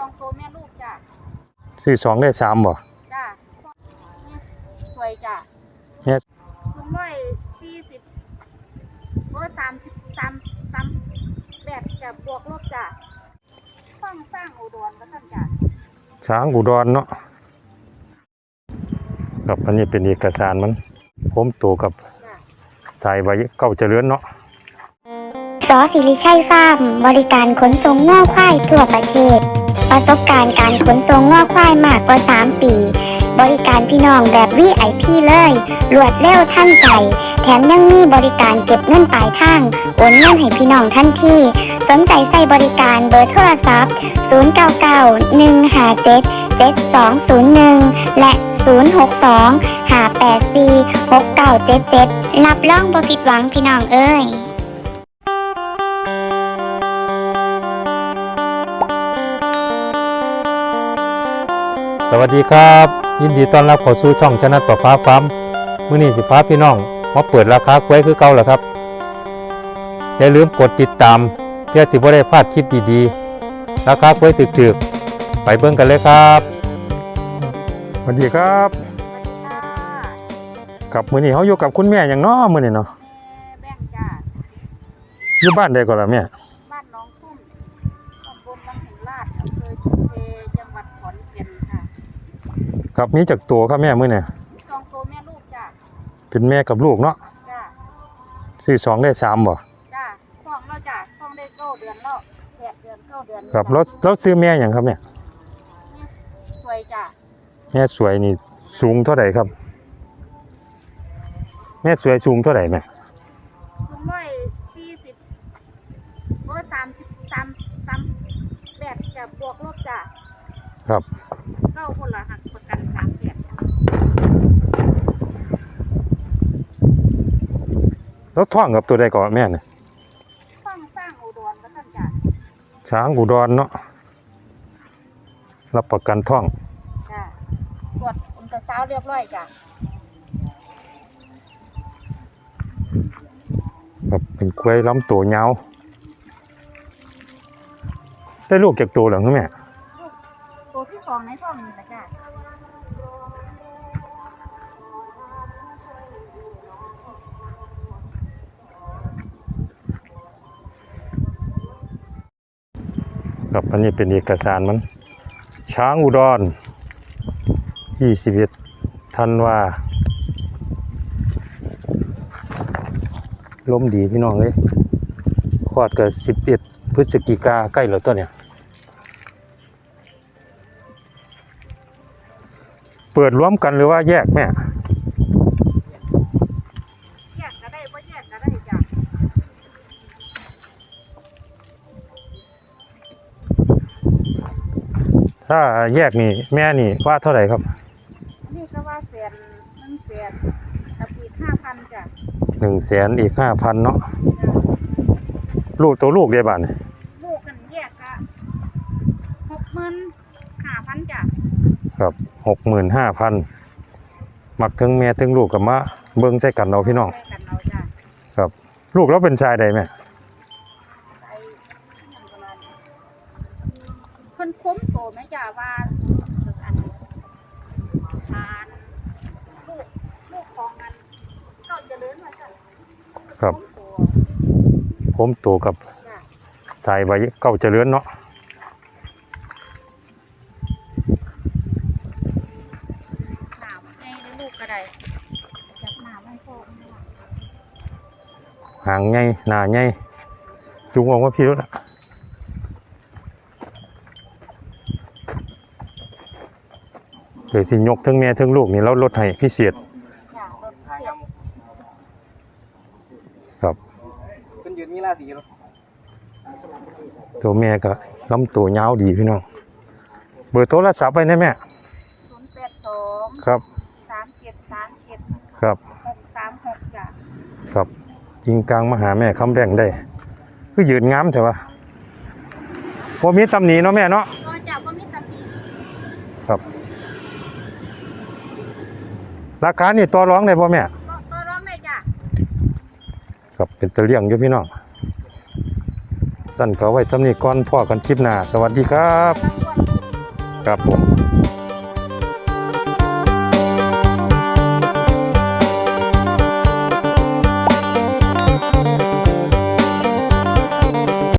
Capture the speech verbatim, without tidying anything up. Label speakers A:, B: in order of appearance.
A: องตัวแม่ลูกจ้ะ
B: ซื้อสองได้สามบ่
A: จ้ะสวยจ้ะ
B: แม่
A: ลุงร้อยสี่สิบร้อยสามสิบสามสามแบบจะบวกลบจ้ะฟังสร้างอุดรก็ท่านจ้ะ
B: ช้างอุดรเนาะกับอันนี้เป็นเอกสารมันผมโตกับสายไว้เก้าเจริญเนาะ
C: สอศิริชัยฟาร์มบริการขนส่งง่อควายทั่วประเทศประสบการณ์การขนส่งง่อควายมากกว่าสามปีบริการพี่น้องแบบ วี ไอ พี เลยรวดเร็วทันใจแถมยังมีบริการเก็บเงินปลายทางโอนเงินให้พี่น้องทันทีสนใจใส่บริการเบอร์โทรศัพท์ศูนย์ เก้า เก้า หนึ่ง ห้า เจ็ด เจ็ด สอง ศูนย์ หนึ่งและศูนย์ หก สอง ห้า แปด สี่ หก เก้า เจ็ด เจ็ดรับรองบ่ผิดหวังพี่น้องเอ้ย
B: สวัสดีครับยินดีต้อนรับเข้าสู่ช่องชนะต่อฟ้าฟ้ามื้อนี้สิฟ้าพี่น้องมาเปิดราคากล้วยคือเก่าแล้วครับอย่าลืมกดติดตามเพื่อสิบ่ได้พลาดคลิปดีๆราคากล้วยถึกๆไปเบิ่งกันเลยครับสวัสดีครับกับมื้อนี้เฮาอยู่กับคุณแม่หยังเนาะมื้อนี้เนาะ
A: แม่แบ่งจ้ะ
B: อยู่บ้านใดก่อนล่ะแม่
A: บ้านน้องตุ้มตำบลบางหินลาดอำเภอชุมเพจังหวัดขอนแก่นค่ะ
B: ครับมีจักตัวครับแม่มื้อนี้
A: สองตัวแม่ลูกจ้ะ
B: เป็นแม่กับลูกเนาะ
A: จ้ะ
B: ซื้อสองได้สามบ่
A: จ้ะท้องแล้วจ้ะท้องได้เก้าเดือนแล้วแปดเดือนเก้าเดือน
B: ครับแล้วแล้วซื้อแม่หยังครับแม่
A: สวยจ้ะ
B: แม่สวยนี่สูงเท่าไหร่ครับแม่สวยสูงเท่าไหร่แม่
A: ลุงร้อยสี่สิบร้อยสามสิบสามสามแบบจะบวกลบจ้ะ
B: ครับ
A: เก้าคนละหักประกันสามแบบ
B: แล้วท่องกับตัวใดก่อนแม่เนี่ย
A: ฟังสร้างอุดรก็ท่านจ้ะ
B: ช้างอุดรเนาะรับประกันท่อง
A: จ้ะตรวจอุลตราซาวด์เรียบร้อยจ้ะ
B: ครับเป็นกล้วยลำตัวยาวได้ลูกจากตัวหรือแม่
A: ตัวที่สองในท้องนี่แหละจ้ะ
B: ครับอันนี้เป็นเอกสารมันช้างอุดรยี่สิบเอ็ดธันวาลมดีพี่น้องเลยคลอดกับสิบเอ็ดพฤศจิกาใกล้แล้วตัวเนี่ยเปิดรวมกันหรือว่าแยกแม่
A: แยกก็ได้ว่าแยกก็ได้จ้ะ
B: ถ้าแยกนี่แม่นี่ว่าเท่าไหร่ครับ
A: นี่ก็ว่าแสนหนึ่งแสนกับอีกห้าพันจ้ะ
B: หนึ่งแสนอีกห้าพันเนาะลูกตัวลูกเดียบ้าน
A: ลูกกันแยกก็หกหมื่นห้าพันจ้ะ
B: ครับหกหมื่นห้าพันมักถึงแม่ถึงลูกกับมะเบิ้งใส่กันเราพี่น้องครับลูกเราเป็นชายใดแม่
A: เพิ่นคุ้มโตไหมจ้ะว่าอันทานลูกลูกของมันก็จะเลื่อนมาจ้ะ
B: ครับผมโตกับสายไว้เก้าเจริญเนาะหางไงหน้าไงจุงออกว่าพี่รถอะเดี๋ยวสิยกทั้งแม่ทั้งลูกนี่แล้วลดให้พิเศษครับ
D: เป็นยืนมีราศีหรอ
B: ตัวแม่ก็ลำตัวยาวดีพี่น้องเบอร์โทรศัพท์ไปนะแม่
A: ศูนย์แปดสอง
B: ครับ
A: สามเจ็ดสามเจ็ด
B: ครับ
A: หกสามหกจ้ะ
B: ครับยิงกลางมาหาแม่คำแบ่งได้คือยืนงามแต่ว่าว่ามีตำหนิเนาะแม่เนาะ
A: ก็จะว่ามีตำหนิ
B: ครับราคานี่ต่อร้องได้ป่ะแม่
A: ต่อร้องได้จ้ะ
B: ครับเป็นตะเลี่ยงอยู่พี่น้องสั่นก็ไว้สำนีก่อนพ่อกันคลิปหน้าสวัสดีครับ
A: รางวัล
B: ครับผม